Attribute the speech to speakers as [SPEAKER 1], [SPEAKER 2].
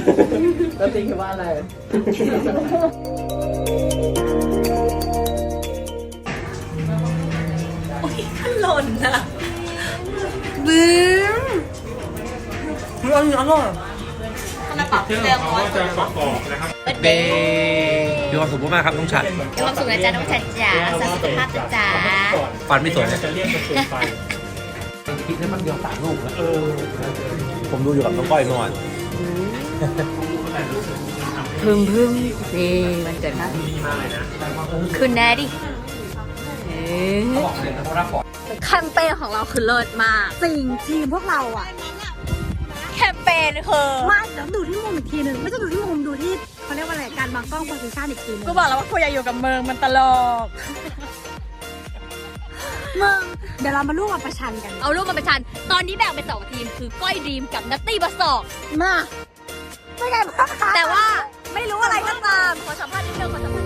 [SPEAKER 1] แล้วติ๊กคิดว่าอะไร
[SPEAKER 2] โอ้ยขันหล่นนะบึ้มอร่อยขนาดปรับเรื่องร้อยจะประกอบนะครับ
[SPEAKER 3] เดย์มีความสุขมากครับน้องชัด
[SPEAKER 2] มีความสุขนะจ๊ะน้องชัดจ๋าสุขภาพจ๋า
[SPEAKER 3] ฟันไม่สวยนะ
[SPEAKER 1] จะเรียกกระสุนไฟ
[SPEAKER 3] คิดได้มันเดียว3 ลูกแล้วผมดูอยู่กับน้องก้อยเมื่อวาน
[SPEAKER 2] พึ่งนี่มันเกิดนะขึ้นแน่ดิแคมเปญของเราคือเลิศมากสิ่งทีมพวกเราอะแคมเปญคือมาเดี๋ยวดูที่มุมอีกทีหนึ่งไม่ต้องดูที่มุมดูที่เขาเรียกว่าอะไรการวางกล้องโพสิชันอีกทีนึงกูบอกแล้วว่ากูอยากอยู่กับเมืองมันตลกมึงเดี๋ยวเรามาลูกมาประชันกันเอาลูกมาประชันตอนนี้แบ่งเป็น2 ทีมคือก้อยดีมกับนัตตี้บัสสอกมาไม่ได้แต่ว่าไม่รู้อะไรก็ตามขอสัมภาษณ์นิดนึงขอสัมภาษณ์